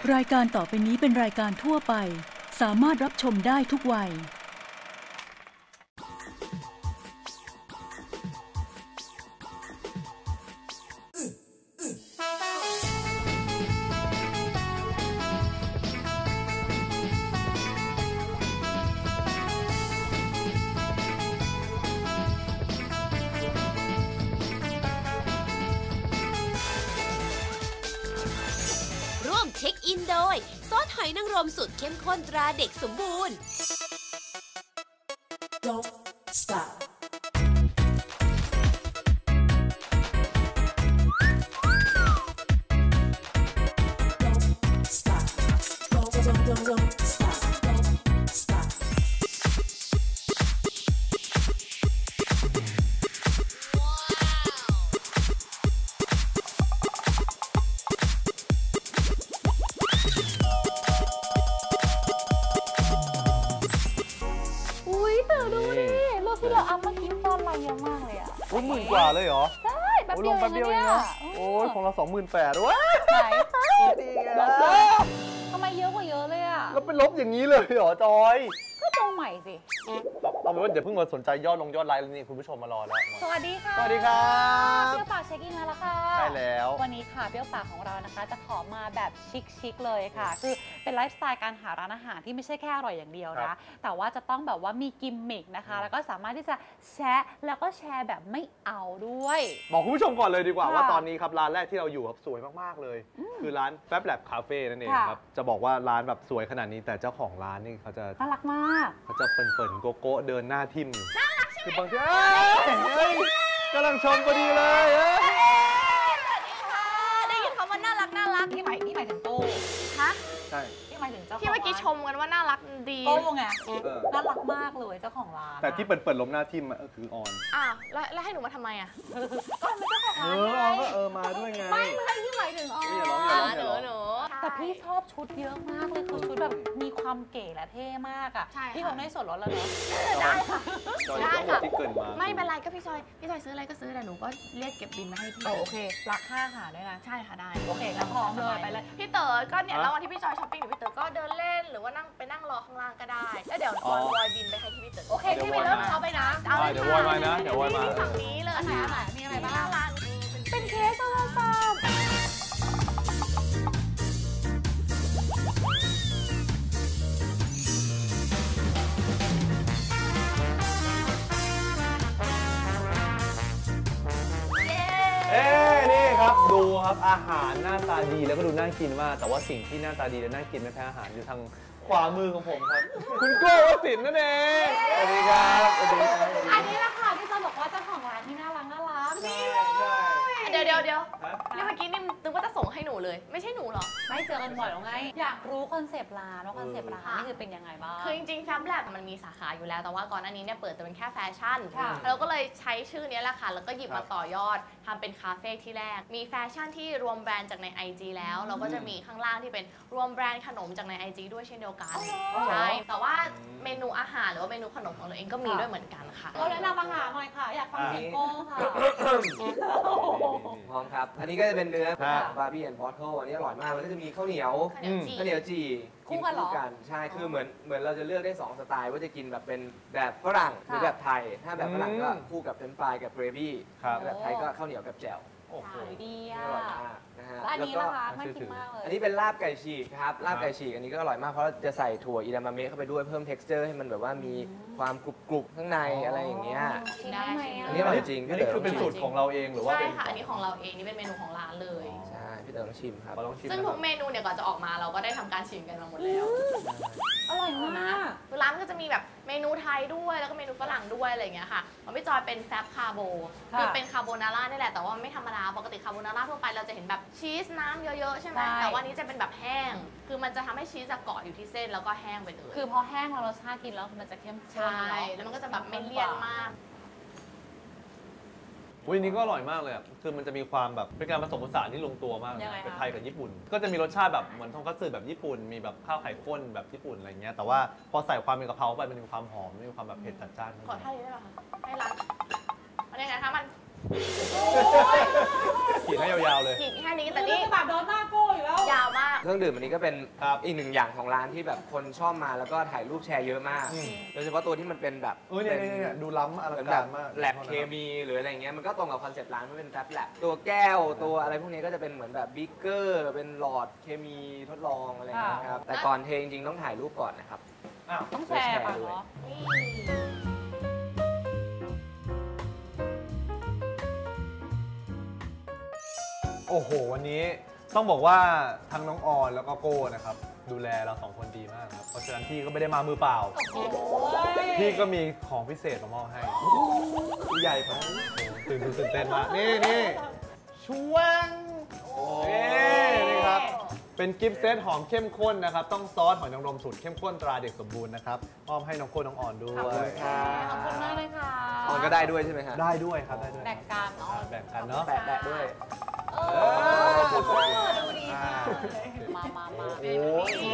รายการต่อไปนี้เป็นรายการทั่วไปสามารถรับชมได้ทุกวัยเช็คอินโดยซอสหอยนางรมสูตรเข้มข้นตราเด็กสมบูรณ์ Don't stop 10,000 กว่าเลยเหรอใช่แป๊บเดียวเองนะโอ้ยของเรา 28,000ว้าดีไงทำไมเยอะกว่าเยอะเลยอ่ะแล้วเป็นลบอย่างนี้เลยเหรอจอยก็ตัวใหม่สิเอาเป็นว่าเดี๋ยวเพิ่งมาสนใจยอดไลน์นี่คุณผู้ชมมารอแล้วสวัสดีค่ะสวัสดีครับเปรี้ยวปากเช็คอินแล้วค่ะใช่แล้ววันนี้ค่ะเปรี้ยวปากของเรานะคะจะขอมาแบบชิคๆเลยค่ะคือเป็นไลฟ์สไตล์การหาร้านอาหารที่ไม่ใช่แค่อร่อยอย่างเดียวนะแต่ว่าจะต้องแบบว่ามีกิมมิคนะคะแล้วก็สามารถที่จะแชร์แล้วก็แชร์แบบไม่เอาด้วยบอกคุณผู้ชมก่อนเลยดีกว่าว่าตอนนี้ครับร้านแรกที่เราอยู่ครับสวยมากๆเลยคือร้าน Fab Lab Cafe นั่นเองครับจะบอกว่าร้านแบบสวยขนาดนี้แต่เจ้าของร้านนี่เขาจะน่ารักมากเขาจะเปิ่นๆโก้เดินหน้าทิ่มคือบางทีกำลังชมพอดีเลยสวัสดีค่ะได้ยินคำว่าน่ารักที่หมายถึงโก้ฮะใช่ที่เมื่อกี้ชมกันว่าน่ารักดีโก้ไงน่ารักมากเลยเจ้าของร้านแต่ที่เปิดล้มหน้าทิ่มคือออนแล้วให้หนูมาทำไมอ่ะก็เป็นเจ้าของร้านไงมาด้วยไงไม่ที่หมายถึงออนหนูแต่พี่ชอบชุดเยอะมากเลยคือชุดแบบมีความเก๋และเท่มากอ่ะพี่คงได้ส่วนลดแล้วเนอะได้ค่ะได้ค่ะไม่เป็นไรก็พี่จอยซื้ออะไรก็ซื้อแต่หนูก็เรียกเก็บบินมาให้พี่โอเครักค่าอาหารด้วยนะใช่ค่ะได้โอเคงั้นพร้อมเลยไปเลยพี่เต๋อก็เนี่ยระหว่างที่พี่จอยช้อปปิ้งอยู่พี่เต๋อก็เดินเล่นหรือว่านั่งรอข้างล่างก็ได้แล้วเดี๋ยววอยบินไปให้ที่พี่เต๋อโอเคพี่ไปเริ่มช็อปไปนะเดี๋ยววอยมานะเดี๋ยววอยมาฝั่งนี้เลยมีอะไรบ้างเป็นเคสโทรศัพท์นี่ครับดูครับอาหารหน้าตาดีแล้วก็ดูน่ากินมากแต่ว่าสิ่งที่หน้าตาดีและน่ากินไม่แพ้อาหารอยู่ทางขวามือของผมครับคุณโก้วสินนั่นเองสวัสดีครับอันนี้แหละค่ะที่จะบอกว่าเจ้าของร้านที่น่ารักนี่เลยเดี๋ยวนี่เมื่อกี้นี่นึกว่าจะส่งให้หนูเลยไม่ใช่หนูหรอไม่เจอกันบ่อยหรอไงอยากรู้คอนเซปต์ร้านว่าคอนเซปต์ร้านนี่คือเป็นยังไงบ้างคือจริงๆ Fab Lab มันมีสาขาอยู่แล้วแต่ว่าก่อนหน้านี้เนี่ยเปิดแต่เป็นแค่แฟชั่นเราก็เลยใช้ชื่อนี้แหละค่ะแล้วก็หยิบมาต่อยอดทำเป็นคาเฟ่ที่แรกมีแฟชั่นที่รวมแบรนด์จากใน IG แล้วเราก็จะมีข้างล่างที่เป็นรวมแบรนด์ขนมจากใน IG ด้วยเช่นเดียวกันใช่แต่ว่าเมนูอาหารหรือว่าเมนูขนมของเราเองก็มีด้วยเหมือนกันค่ะเราแนะนำอาหารหน่อยค่ะอยากฟังเสียงโก้ค่ะพร้อมครับอันนี้ก็จะเป็นเนื้อบาร์บี้แอนด์บอทเทิลอันนี้อร่อยมากแล้วก็จะมีข้าวเหนียวจีคู่กันเหรอใช่คือเหมือนเราจะเลือกได้2สไตล์ว่าจะกินแบบเป็นแบบฝรั่งหรือแบบไทยถ้าแบบฝรั่งก็คู่กับเฟรนช์ฟรายกับเกรวี่แบบไทยก็ข้าวเหนียวกับแจ่วโอ้โหดีอ่ะอร่อยมากนะฮะอันนี้นะคะน่ากินมากเลยอันนี้เป็นลาบไก่ฉีกครับลาบไก่ฉีกอันนี้ก็อร่อยมากเพราะจะใส่ถั่วอิดามะเมะเข้าไปด้วยเพิ่ม texture ให้มันแบบว่ามีความกรุบข้างในอะไรอย่างเงี้ยอันนี้อร่อยจริงอันนี้คือเป็นสูตรของเราเองหรือว่าใช่ค่ะอันนี้ของเราเองนี่เป็นเมนูของร้านเลยใช่พี่เต๋อต้องชิมครับซึ่งทุกเมนูเนี่ยก่อนจะออกมาเราก็ได้ทำการชิมกันมาหมดแล้วอร่อยมากร้านก็จะมีแบบเมนูไทยด้วยแล้วก็เมนูฝรั่งด้วยอะไรอย่างเงี้ยค่ะของพี่จอยเป็นแฟบคาโบคือเป็นคาโบนาร่านี่แหละแต่ว่าไม่ธรรมดาปกติคาโบนาร่าทั่วไปเราจะเห็นแบบชีสน้ำเยอะๆใช่ไหมแต่ว่านี้จะเป็นแบบแห้งคือมันจะทำให้ชีสเกาะอยู่ที่เส้นแล้วก็แห้งไปเลยคือพอแห้งแล้วรสชาติกินแล้วมันจะเข้มข้นใช่แล้วมันก็จะแบบไม่เลี่ยนมากอุ้ยนี้ก็อร่อยมากเลยคือมันจะมีความแบบเป็นการผสมผสานที่ลงตัวมากเป็นไทยกับญี่ปุ่นก็จะมีรสชาติแบบเหมือนทงคัตสึแบบญี่ปุ่นมีแบบข้าวไข่ข้นแบบญี่ปุ่นอะไรเงี้ยแต่ว่าพอใส่ความเป็นกะเพราไปมันมีความหอมมีความแบบเผ็ดจัดจ้านขอท่านี้ได้ไหมคะให้ร้านมันยังไงคะมันขีดให้ยาวๆเลยขีดแค่นี้แต่นี่แบบโดนหน้าโก้อยู่แล้วยาวมากเครื่องดื่มอันนี้ก็เป็นอีกหนึ่งอย่างของร้านที่แบบคนชอบมาแล้วก็ถ่ายรูปแชร์เยอะมากโดยเฉพาะตัวที่มันเป็นแบบเนี่ยดูล้ำอลังการมากแลบเคมีหรืออะไรเงี้ยมันก็ตรงกับคอนเซ็ปต์ร้านมันเป็นแฟบแลบตัวแก้วตัวอะไรพวกนี้ก็จะเป็นเหมือนแบบบิ๊กเกอร์เป็นหลอดเคมีทดลองอะไรเงี้ยครับแต่ก่อนเทจริงๆต้องถ่ายรูปก่อนนะครับต้องแชร์ป่ะเหรอโอ้โหวันนี้ต้องบอกว่าทั้งน้องออนแล้วก็โก้นะครับดูแลเรา2คนดีมากครับเพราะฉะนั้นพี่ก็ไม่ได้มามือเปล่าพี่ก็มีของพิเศษมามอบให้ใหญ่ไปตื่นเต้นมากนี่ช่วงนี่ครับเป็นกิฟต์เซตหอมเข้มข้นนะครับต้องซอสหอยนางรมสูตรเข้มข้นตราเด็กสมบูรณ์นะครับมอบให้น้องโก้น้องออนด้วยขอบคุณมากเลยค่ะออนก็ได้ด้วยใช่ไหมครับได้ด้วยครับได้ด้วยแบ่งกันเนาะแบ่งกันเนาะแปะด้วยดูดีมาโอ้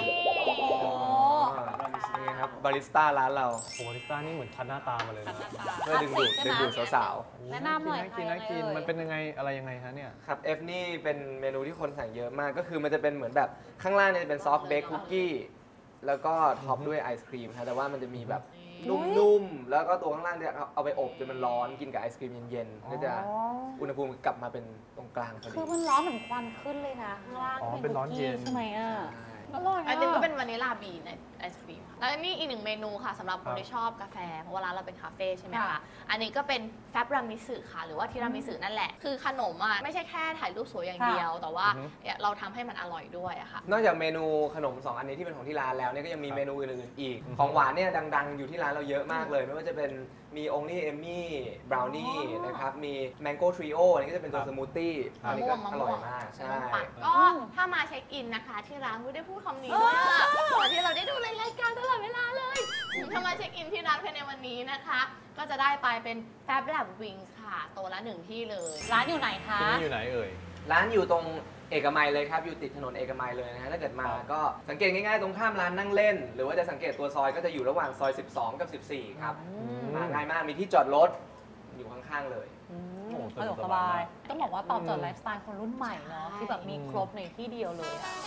นี่ครับบาริสต้าร้านเราบาริสต้านี่เหมือนคัดหน้าตามาเลยนะเพื่อดึงดูดสาวๆแนะนำหน่อยน่ากินมันเป็นยังไงอะไรยังไงฮะเนี่ยครับเอฟนี่เป็นเมนูที่คนสั่งเยอะมากก็คือมันจะเป็นเหมือนแบบข้างล่างเนี่ยจะเป็นซอฟต์เบคคุกกี้แล้วก็ท็อปด้วยไอศครีมครับแต่ว่ามันจะมีแบบนุ่มๆแล้วก็ตัวข้างล่างเนี่ยเอาไปอบจนมันร้อนกินกับไอศครีมเย็นๆก็จะอุณหภูมิกลับมาเป็นตรงกลางพอดีคือมันร้อนเหมือนควันขึ้นเลยนะข้างล่างเป็นร้อนเย็นใช่ไหมอร่อยอันนี้ก็เป็นวานิลลาบีในไอศครีมแล้วนี่อีกหนึ่งเมนูค่ะสำหรับคนที่ชอบกาแฟเพราะว่าร้านเราเป็นคาเฟ่ใช่ไหมคะอันนี้ก็เป็นแฟบรามิสึค่ะหรือว่าทีรามิสึนั่นแหละคือขนมอ่ะไม่ใช่แค่ถ่ายรูปสวยอย่างเดียวแต่ว่าเราทำให้มันอร่อยด้วยอะค่ะนอกจากเมนูขนม2อันนี้ที่เป็นของที่ร้านแล้วเนี่ยก็ยังมีเมนูอื่นๆอีกของหวานเนี่ยดังๆอยู่ที่ร้านเราเยอะมากเลยไม่ว่าจะเป็นมีองลี่เอมมี่บราวนี่นะครับมีแมงโก้ทริโออันนี้ก็จะเป็นตัวสมูทตี้อันนี้ก็อร่อยมากใช่ก็ถ้ามาเช็คอินนะคะที่ร้านไม่ได้พูดคำนี้ด้วยเหมือนที่เราได้ดูรายการตลอดเวลาเลยถ้ามาเช็คอินที่ร้านภายในวันนี้นะคะก็จะได้ไปเป็นแฟบแลบวิงส์ค่ะตัวละ1ที่เลยร้านอยู่ไหนคะที่นี่อยู่ไหนเอ่ยร้านอยู่ตรงเอกมัยเลยครับอยู่ติดถนนเอกมัยเลยนะฮะถ้าเกิดมาก็สังเกตง่ายๆตรงข้ามร้านนั่งเล่นหรือว่าจะสังเกตตัวซอยก็จะอยู่ระหว่างซอย12กับ14ครับมาง่ายมากมีที่จอดรถอยู่ข้างๆเลยสะดวกสบายต้องบอกว่าตอบโจทย์ไลฟ์สไตล์คนรุ่นใหม่เนาะที่แบบมีครบในที่เดียวเลยอะ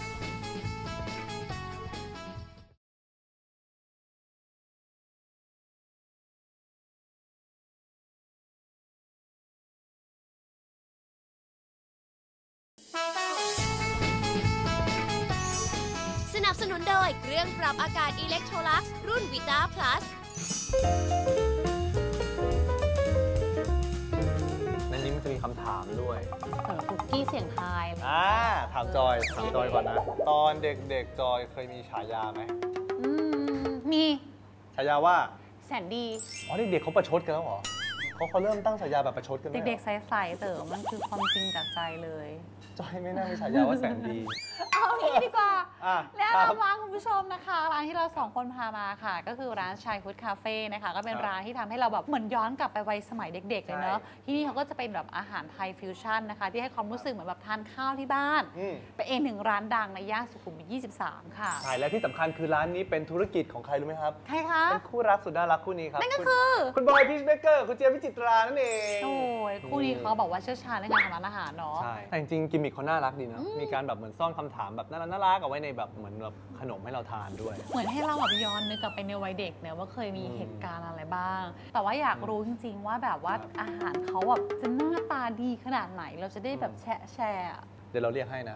สนับสนุนโดยเครื่องปรับอากาศ Electrolux รุ่น Vita Plus ในนี้มันจะมีคำถามด้วยคุกกี้เสียงทายถามจอยก่อนนะตอนเด็กๆจอยเคยมีฉายาไหมมีฉายาว่าแสนดีอ๋อเด็กๆเขาประชดกันแล้วเหรอเขาเริ่มตั้งฉายาแบบประชดกันเด็กๆใสๆเต๋อมันคือความจริงจากใจเลยจอยไม่น่ามีฉายาว่าแสนดีเอางี้ดีกว่าแล้วร้านคุณผู้ชมนะคะร้านที่เรา2คนพามาค่ะก็คือร้านชายฟู้ดคาเฟ่นะคะก็เป็นร้านที่ทำให้เราแบบเหมือนย้อนกลับไปวัยสมัยเด็กๆเลยเนาะที่นี่เขาก็จะเป็นแบบอาหารไทยฟิวชั่นนะคะที่ให้ความรู้สึกเหมือนแบบทานข้าวที่บ้านเป็นเอง1ร้านดังในย่านสุขุมวิท23ค่ะใช่และที่สำคัญคือร้านนี้เป็นธุรกิจของใครรู้ไหมครับใครคะเป็นคู่รักสุดน่ารักคู่นี้ครับนั่นก็คือคุณบอยพีชเบเกอร์คุณเจี๊ยบวิจิตรานั่นเองโอ้ยคู่นี้เขาบอกว่าเชี่ยวชาญในการทำร้านอาหารเนาะใช่แต่จริงๆกิมมิคเขาน่ารักดีนะมีการแบบเหมือนซ่อนคำถามแบบน่ารักเอาไว้ในแบบเหมือนแบบขนมให้เราทานด้วยเหมือนให้เราแบบย้อนนึกกลับไปในวัยเด็กเนี่ยว่าเคยมีเหตุการณ์อะไรบ้างแต่ว่าอยากรู้จริงๆว่าแบบว่าอาหารเขาแบบจะหน้าตาดีขนาดไหนเราจะได้แบบแชร์เดี๋ยวเราเรียกให้นะ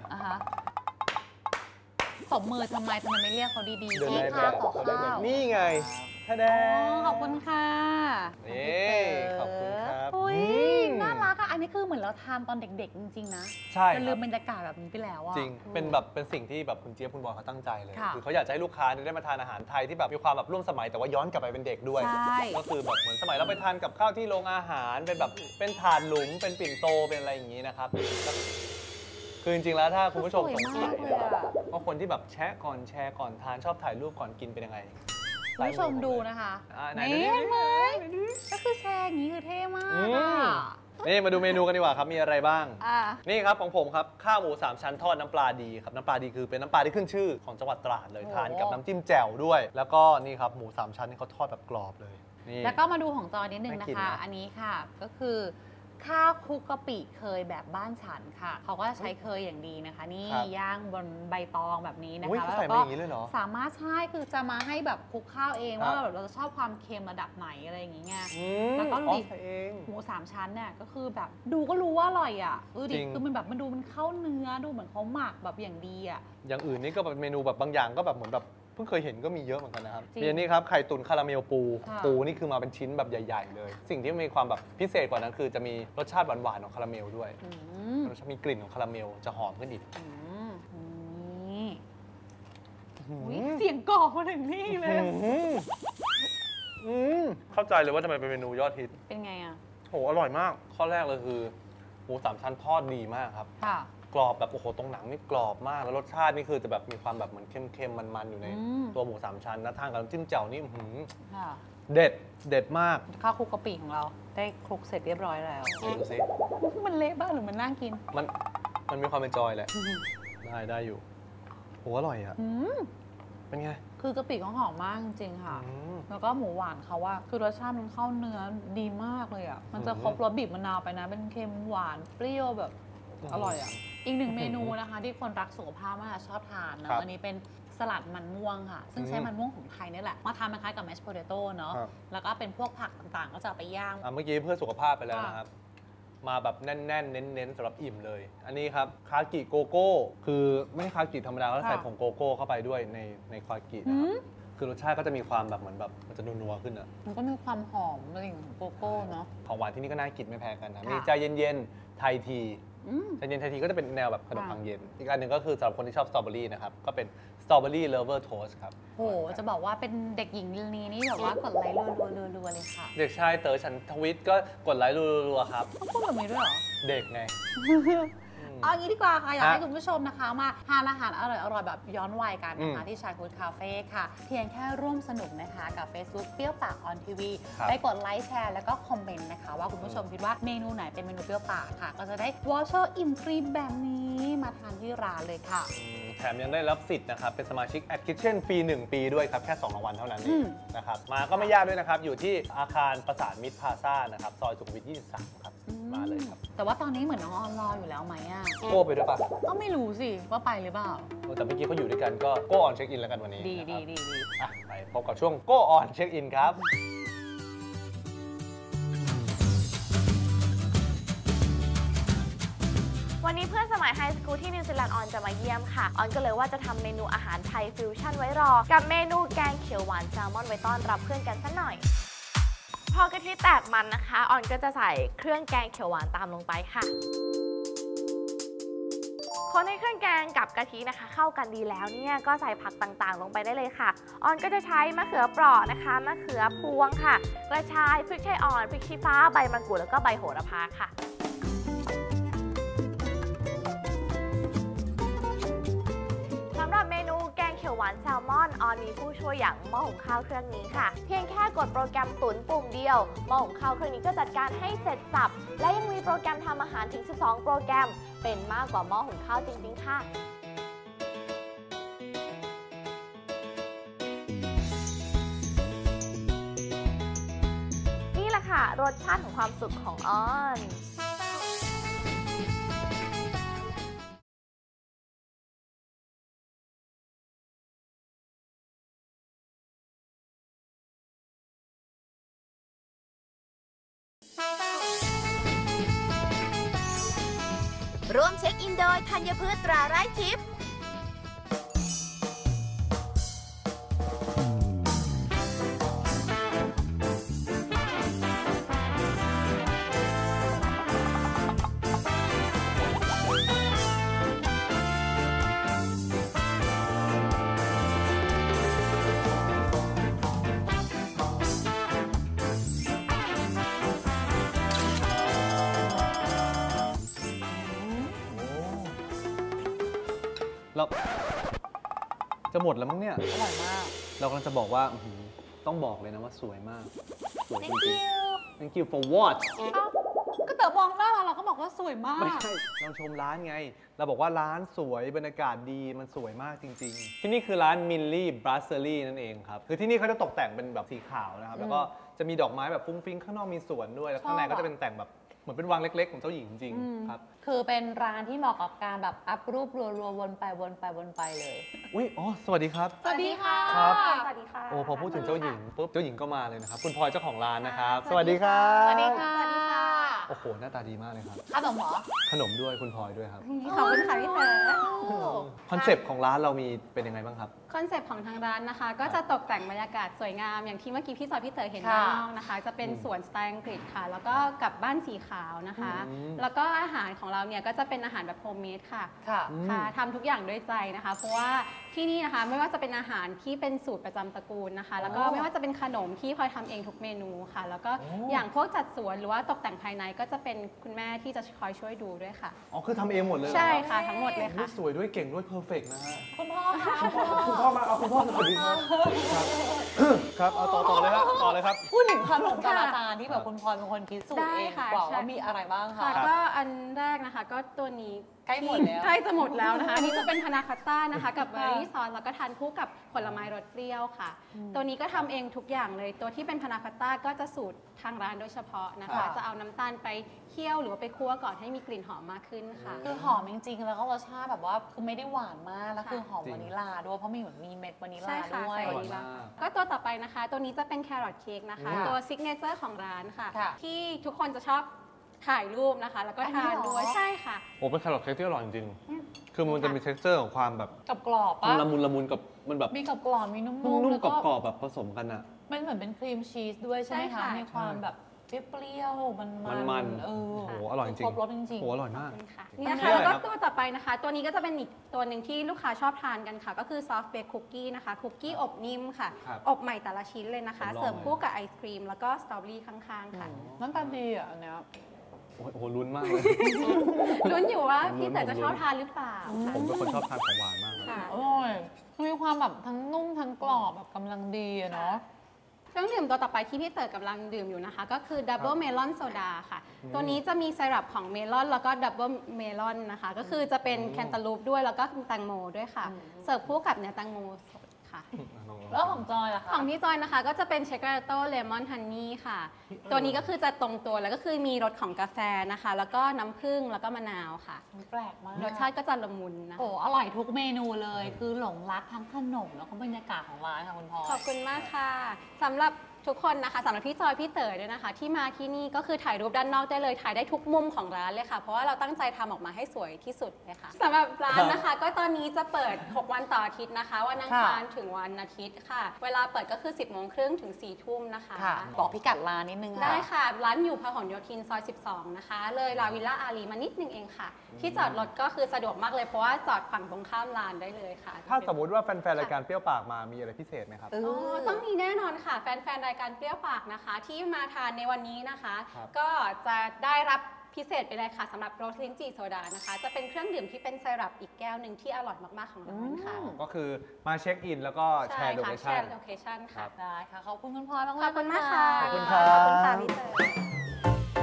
ตบมือทำไมไม่เรียกเขาดีๆนี่ค่ะขอข้าวนี่ไงท่าแดงขอบคุณค่ะนี่ขอบคุณครับน่ารักอ่ะอันนี้คือเหมือนเราทานตอนเด็กๆจริงๆนะใช่ลืมบรรยากาศแบบนี้ไปแล้วอ่ะจริงเป็นแบบเป็นสิ่งที่แบบคุณเจี๊ยบคุณบอลเขาตั้งใจเลยคือเขาอยากจะให้ลูกค้าได้มาทานอาหารไทยที่แบบมีความแบบร่วมสมัยแต่ว่าย้อนกลับไปเป็นเด็กด้วยก็คือแบบเหมือนสมัยเราไปทานกับข้าวที่โรงอาหารเป็นแบบเป็นถาดหลุมเป็นปิ่นโตเป็นอะไรอย่างนี้นะครับคือจริงๆแล้วถ้าคุณผู้ชมสงสัยว่าคนที่แบบแชร์ก่อนแชร์ก่อนทานชอบถ่ายรูปก่อนกินเป็นยังไงคุณผู้ชมดูนะคะนี่เห็นไหมก็คือแชร์อย่างนี้คือเท่มากนี่มาดูเมนูกันดีกว่าครับมีอะไรบ้างนี่ครับของผมครับข้าวหมู3ชั้นทอดน้ำปลาดีครับน้ำปลาดีคือเป็นน้ำปลาที่ขึ้นชื่อของจังหวัดตราดเลยทานกับน้ำจิ้มแจ่วด้วยแล้วก็นี่ครับหมู3ชั้นนี่เขาทอดแบบกรอบเลยแล้วก็มาดูของจอนิดนึงนะคะอันนี้ค่ะก็คือข้าวคลุกกะปิเคยแบบบ้านฉันค่ะเขาก็ใช้เคยอย่างดีนะคะนี่ย่างบนใบตองแบบนี้นะคะแล้วก็สามารถใช่คือจะมาให้แบบคลุกข้าวเองว่าแบบเราจะชอบความเค็มระดับไหนอะไรอย่างเงี้ยแล้วก็ดิหมู3 ชั้นเนี่ยก็คือแบบดูก็รู้ว่าอร่อยอ่ะดิคือมันแบบมันดูมันเข้าเนื้อดูเหมือนเขาหมักแบบอย่างดีอ่ะอย่างอื่นนี่ก็แบบเมนูแบบบางอย่างก็แบบเหมือนแบบเพิ่งเคยเห็นก็มีเยอะเหมือนกันนะครับมีอันนี้ครับไข่ตุ๋นคาราเมลปูนี่คือมาเป็นชิ้นแบบใหญ่ๆเลยสิ่งที่มีความแบบพิเศษกว่านั้นคือจะมีรสชาติหวานๆของคาราเมลด้วยรสชาติมีกลิ่นของคาราเมลจะหอมขึ้นอีกเสียงกรอกมาถึงนี่เลยเข้าใจเลยว่าทำไมเป็นเมนูยอดฮิตเป็นไงอ่ะโหอร่อยมากข้อแรกเลยคือหมู3 ชั้นทอดดีมากครับกรอบแบบโอ้โหตรงหนังนี่กรอบมากแล้วรสชาตินี่คือจะแบบมีความแบบเหมือนเค็มๆมันๆอยู่ในตัวหมู3 ชั้นนะทานกับน้ำจิ้มแจ่วนี่เด็ดมากข้าวคลุกกะปิของเราได้คลุกเสร็จเรียบร้อยแล้วดูสิมันเละบ้างหรือมันน่ากินมันมีความเป็นจอยแหละได้อยู่โหอร่อยอ่ะเป็นไงคือกะปิเขาหอมมากจริงๆค่ะแล้วก็หมูหวานเขาว่าคือรสชาติมันเข้าเนื้อดีมากเลยอ่ะมันจะครบรสบีบมะนาวไปนะเป็นเค็มหวานเปรี้ยวแบบอร่อยอ่ะอีกหนึ่งเมนูนะคะที่คนรักสุขภาพมากชอบทานนะอันนี้เป็นสลัดมันม่วงค่ะซึ่งใช้มันม่วงของไทยนี่แหละมาทำคล้ายกับแมชโพเตโต้เนาะแล้วก็เป็นพวกผักต่างๆก็จะไปย่างเมื่อกี้เพื่อสุขภาพไปแล้วนะครับมาแบบแน่นๆเน้นๆสำหรับอิ่มเลยอันนี้ครับคากิโกโก้คือไม่ใช่คากิธรรมดาก็ใส่ผงโกโก้เข้าไปด้วยในคากินะครับคือรสชาติก็จะมีความแบบเหมือนแบบมันจะนัวๆขึ้นอ่ะมันก็มีความหอมอะไรอย่างโกโก้เนาะของหวานที่นี่ก็น่ากินไม่แพ้กันนะมีใจเย็นๆไทยทีใจเย็นไทยทีก็จะเป็นแนวแบบขนมปังเย็นอีกอันหนึ่งก็คือสำหรับคนที่ชอบสตรอเบอรี่นะครับก็เป็นสตรอเบอรี่เลฟเวอร์โทสครับโหจะบอกว่าเป็นเด็กหญิงลีนี่แบบว่ากดไลค์รัวเลยค่ะเด็กชายเต๋อฉันทวิตก็กดไลค์รัวๆครับพูดแบบนี้ด้วยเหรอเด็กไงเอางี้ดีกว่าค่ะอยากให้คุณผู้ชมนะคะมาทานอาหารอร่อยๆแบบย้อนวัยกันนะคะที่ชายฟู้ดคาเฟ่ค่ะเพียงแค่ร่วมสนุกนะคะกับ Facebook เปรี้ยวปากออนทีวีไปกดไลค์แชร์แล้วก็คอมเมนต์นะคะว่าคุณผู้ชมคิดว่าเมนูไหนเป็นเมนูเปรี้ยวปากค่ะก็จะได้วอเชอร์อิ่มฟรีแบบนี้มาทานที่ร้านเลยค่ะแถมยังได้รับสิทธิ์นะครับเป็นสมาชิก At Kitchen ฟรี1 ปีด้วยครับแค่2 รางวัลเท่านั้นเองนะครับมาก็ไม่ยากด้วยนะครับอยู่ที่อาคารประสานมิตรพลาซ่านะครับซอยสุขุมวิท 23 ครับมาเลยครับแต่ว่าตอนนี้เหมือนน้องออนรออยู่แล้วไหมอ่ะโก้ไปด้วยปะก็ไม่รู้สิว่าไปหรือเปล่าแต่เมื่อกี้เขาอยู่ด้วยกันก็โก้ออนเช็คอินแล้วกันวันนี้ดีไปพบกับช่วงโก้ออนเช็คอินครับวันนี้เพื่อนสมัยไฮสคูลที่นิวซีแลนด์ออนจะมาเยี่ยมค่ะออนก็เลยว่าจะทำเมนูอาหารไทยฟิวชั่นไว้รอกับเมนูแกงเขียวหวานแซลมอนไว้ต้อนรับเพื่อนกันสักหน่อยพอกะทิแตกมันนะคะออนก็จะใส่เครื่องแกงเขียวหวานตามลงไปค่ะคนให้เครื่องแกงกับกะทินะคะเข้ากันดีแล้วเนี่ยก็ใส่ผักต่างๆลงไปได้เลยค่ะออนก็จะใช้มะเขือเปราะนะคะมะเขือพวงค่ะกระชายพริกไทยอ่อนพริกชี้ฟ้าใบมะกรูดแล้วก็ใบโหระพาค่ะสำหรับเมนูแกงเขียวหวานแซลมอนออนมีผู้ช่วยอย่างหม้อหุงข้าวเครื่องนี้ค่ะเพียงแค่กดโปรแกรมตุ๋นปุ่มเดียวหม้อหุงข้าวเครื่องนี้ก็จัดการให้เสร็จสับและยังมีโปรแกรมทำอาหารถึง12โปรแกรมเป็นมากกว่าหม้อหุงข้าวจริงๆค่ะนี่แหละค่ะรสชาติของความสุขของออนร่วมเช็คอินโดยธัญพืชตราไร้ทิพย์เราจะหมดแล้วมั้งเนี่ยอร่อยมากเรากำลังจะบอกว่าต้องบอกเลยนะว่าสวยมากสวยจริงๆ Thank you for what ก็เต๋อมองหน้าเราก็บอกว่าสวยมากไม่ใช่เราชมร้านไงเราบอกว่าร้านสวยบรรยากาศดีมันสวยมากจริงๆที่นี่คือร้านมิลลี่บรัสเซอรี่นั่นเองครับคือที่นี่เขาจะตกแต่งเป็นแบบสีขาวนะครับแล้วก็จะมีดอกไม้แบบฟุ้งฟิ้งข้างนอกมีสวนด้วยแล้วข้างในก็จะเป็นแต่งแบบเหมือนเป็นวังเล็กๆของเจ้าหญิงจริงๆครับคือเป็นร้านที่เหมาะกับการแบบอัพรูปรัวๆวนไปเลยอุ้ยอ๋อสวัสดีครับสวัสดีค่ะครับสวัสดีค่ะโอ้พอพูดถึงเจ้าหญิงปุ๊บเจ้าหญิงก็มาเลยนะครับคุณพลอยเจ้าของร้านนะครับสวัสดีครับสวัสดีค่ะโอ้โหหน้าตาดีมากเลยครับขนมเหรอขนมด้วยคุณพลอยด้วยครับขอบคุณค่ะพี่เต๋อคอนเซปต์ของร้านเรามีเป็นยังไงบ้างครับคอนเซปต์ของทางร้านนะคะ ก็จะตกแต่งบรรยากาศสวยงามอย่างที่เมื่อกี้พี่จอยพี่เต๋อเห็นค่ะด้านนอกนะคะ จะเป็นสวนสไตล์อังกฤษค่ะ แล้วก็กับบ้านสีขาวนะคะ แล้วก็อาหารของเราเนี่ยก็จะเป็นอาหารแบบโฮมเมดค่ะค่ะค่ะทำทุกอย่างด้วยใจนะคะ เพราะว่าที่นี่นะคะไม่ว่าจะเป็นอาหารที่เป็นสูตรประจำตระกูลนะคะ แล้วก็ไม่ว่าจะเป็นขนมที่พลอยทำเองทุกเมนูค่ะ แล้วก็อย่างพวกจัดสวนหรือว่าตกแต่งภายในก็จะเป็นคุณแม่ที่จะคอยช่วยดูด้วยค่ะอ๋อคือทำเองหมดเลยเหรอใช่ครับค่ะทั้งหมดเลยอุ๊ค่ะยสวยด้วยเก่งด้วยเพอร์เฟกต์นะฮะคุณพ่อค่ะคุณพ่อมาเอาคุณพ่อสวัสดีครับครับเอาต่อเลยครับต่อเลยครับพูดถึงขนมกับอาจารย์ที่แบบคุณพลอยเป็นคนคิดสูตรได้เองค่ะกว่าใช่ว่ามีอะไรบ้างค่ะคะก็อันแรกนะคะก็ตัวนี้ใกล้หมดแล้วใกล้จะหมดแล้วนะคะ อันนี้จะเป็นพานาคอตต้านะคะ กับเบอร์รี่ซอสแล้วก็ทานคู่กับผลไม้รสเปรี้ยวค่ะ ตัวนี้ก็ทำเองทุกอย่างเลยตัวที่เป็นพานาคอตต้าก็จะสูตรทางร้านโดยเฉพาะนะคะ จะเอาน้ำตาลไปเคี่ยวหรือว่าไปคั่วก่อนให้มีกลิ่นหอมมากขึ้นค่ะคือหอมจริงๆ แล้วก็รสชาติแบบว่าคือไม่ได้หวานมากแล้วค่ะคือหอมจริงวานิลลาด้วยเพราะมีเหมือนมีเม็ดวานิลใช่ลาค่ะด้วยใส่อวาร่อยนิลลามากก็ตัวต่อไปนะคะ ตัวนี้จะเป็นแครอทเค้กนะคะ ตัวซิกเนเจอร์ของร้านค่ะค่ะที่ทุกคนจะชอบถ่ายรูปนะคะ แล้วก็อันนี้ทานเหรอด้วยใช่ค่ะโอ้เป็นแครอทเค้กที่อร่อยจริงๆคือมันจะมี texture ของความแบบกับกรอบปะละมุนกับมันแบบมีกับกรอบมีนุ่มนุ่มแล้วๆกรอบๆแบบผสมกันอะมันเหมือนเป็นครีมชีสด้วยใช่ไหมใช่คะค่ะมีความแบบเปรี้ยวๆมันมันเออโอ้โหอร่อยจริงครบรสจริงโอ้โหอร่อยมากขอบคุณค่ะนี่นี่นะคือคะอะไรแล้วก็ครับตัวต่อไปนะคะ ตัวนี้ก็จะเป็นอีกตัวหนึ่งที่ลูกค้าชอบทานกันค่ะ ก็คือซอฟต์เบคคุกกี้นะคะคุกกี้อบนิ่มค่ะครับอบใหม่แต่ละชิ้นเลยนะคะผมลองเสิร์ฟคู่กับไอศครีมแล้วก็สตรอเบอรี่ข้างๆค่ะๆน้ำตาลดีอ่ะอันเนี้ยโอ้โหลุ้นมากเลยลุ้นอยู่ว่าผมลุ้นพี่เต๋อจะชอบทานหรือเปล่าผมเป็นคนชอบทานของหวานมากเลยค่ะอร่อยมีความแบบทั้งนุ่มทั้งกรอบแบบกำลังดีอะเนาะเครื่องดื่มตัวต่อไปที่พี่เต๋อกำลังดื่มอยู่นะคะ ก็คือดับเบิลเมลอนโซดาค่ะ ตัวนี้จะมีไซรัปของเมลอนแล้วก็ดับเบิลเมลอนนะคะ ก็คือจะเป็นแคนตาลูปด้วยแล้วก็แตงโมด้วยค่ะ เสิร์ฟคู่กับเนื้อแตงโมสดค่ะแล้วของจอยล่ะคะของพี่จอยนะคะก็จะเป็นเชคเกอร์โต้เลมอนฮันนี่ค่ะ ตัวนี้ก็คือจะตรงตัวแล้วก็คือมีรสของกาแฟนะคะ แล้วก็น้ำผึ้งแล้วก็มะนาวค่ะแปลกมากรสชาติก็จะละมุนนะโอ้อร่อยทุกเมนูเลย คือหลงรักทั้งขนมแล้วก็บรรยากาศของร้านค่ะคุณพลอยขอบคุณมากค่ะสำหรับทุกคนนะคะสำหรับพี่จอยพี่เต๋อด้วยนะคะ ที่มาที่นี่ก็คือถ่ายรูปด้านนอกได้เลยถ่ายได้ทุกมุมของร้านเลยค่ะ เพราะว่าเราตั้งใจทำออกมาให้สวยที่สุดเลยค่ะสำหรับร้านนะคะ ก็ตอนนี้จะเปิด 6 วันต่ออาทิตย์นะคะวันอังคารถึงวันอาทิตย์ค่ะ เวลาเปิดก็คือ 10 โมงครึ่งถึง 4 ทุ่มนะคะค่ะ บอกพิกัดร้านนิดนึงค่ะได้ค่ะ ร้านอยู่พหลโยธินซอย 12 นะคะ เลยลาวิลล่าอารีมานิดนึงเองค่ะ ที่จอดรถก็คือสะดวกมากเลยเพราะว่าจอดฝั่งตรงข้ามร้านได้เลยค่ะถ้าสมมติว่าแฟนๆรายการเปรี้ยวปากมามีอะไรพิเศษไหมครับอ๋อต้องมีแน่นอนค่ะ แฟนๆ รายการเปรี้ยวปากนะคะ ที่มาทานในวันนี้นะคะครับก็จะได้รับพิเศษไปเลยค่ะสำหรับโรสลิ้นจี่โซดานะคะ จะเป็นเครื่องดื่มที่เป็นไซรัปอีกแก้วหนึ่งที่อร่อยมาก ๆ ของร้านค่ะก็คือมาเช็คอินแล้วก็แชใช่ร์โลค่ะเคแชชั่นร์โลเคชั่นค่ะได้ค่ะ ขอบคุณคุณพลอยมากๆขอบคุณมากค่ะขอบคุณครับขอบคุณค่ะพี่เต๋อ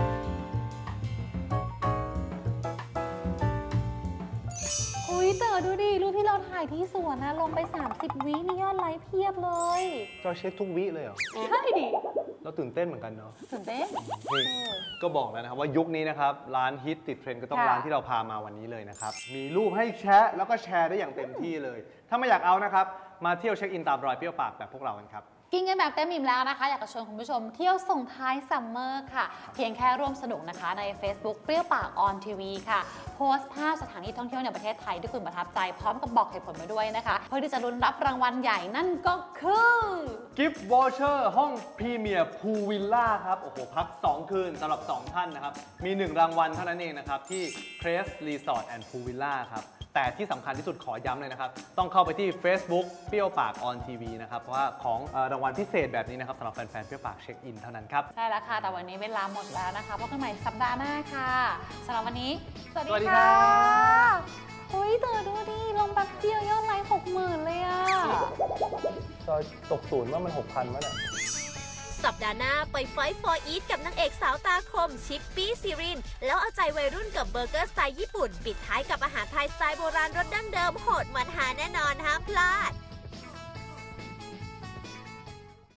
อุ้ยเต๋อดูดิรูปที่เราถ่ายที่สวนนะลงไป 30 วิมียอดไลค์เพียบเลยจอยเช็คทุกวิเลยเหรอใช่ดิเราตื่นเต้นเหมือนกันเนาะตื่นเต้นนี่ก็บอกแล้วนะครับว่ายุคนี้นะครับร้านฮิตติดเทรนด์ก็ต้องค่ะร้านที่เราพามาวันนี้เลยนะครับมีรูปให้แชะแล้วก็แชร์ได้อย่างเต็มที่เลย ถ้าไม่อยากเอานะครับมาเที่ยวเช็คอินตามรอยเปรี้ยวปากแบบพวกเรากันครับกินกันแบบเต็มอิ่มแล้วนะคะ อยากจะชวนคุณผู้ชมเที่ยวส่งท้ายซัมเมอร์ค่ะ เพียงแค่ร่วมสนุกนะคะใน Facebook เปรี้ยวปากออนทีวีค่ะ โพสต์ภาพสถานที่ท่องเที่ยวในประเทศไทยที่คุณประทับใจพร้อมกับบอกเหตุผลมาด้วยนะคะ เพื่อที่จะลุ้นรับรางวัลใหญ่นั่นก็คือกิฟต์วอเชอร์ห้องพรีเมียร์พูลวิลล่าครับ โอ้โห พัก 2 คืนสำหรับ 2 ท่านนะครับ มี 1 รางวัลเท่านั้นเองนะครับ ที่ Crest Resort and Pool Villa ครับ แต่ที่สำคัญที่สุดขอย้ำเลยนะครับ ต้องเข้าไปที่ Facebook เปรี้ยวปากออนทีวีนะครับ เพราะว่าของรางวัลพิเศษแบบนี้นะครับสำหรับแฟนๆเปรี้ยวปากเช็คอินเท่านั้นครับใช่แล้วค่ะ แต่วันนี้เวลาหมดแล้วนะคะพบกันใหม่สัปดาห์หน้าค่ะสำหรับวันนี้ สวัสสวัสดีดีครัค่ะบเฮ้ยเต๋อดูดิลงแป๊บเดียวยอดไลค์60,000เลยอ่ะจอยตกศูนย์ว่ามัน 6,000 มั้ยเนี่ยสัปดาห์หน้าไปไฟท์ฟอร์อีทกับนางเอกสาวตาคมชิปปี้ซีริน แล้วเอาใจวัยรุ่นกับเบอร์เกอร์สไตล์ญี่ปุ่น ปิดท้ายกับอาหารไทยสไตล์โบราณรสดั้งเดิมโหดมันหาแน่นอนห้ามพลาด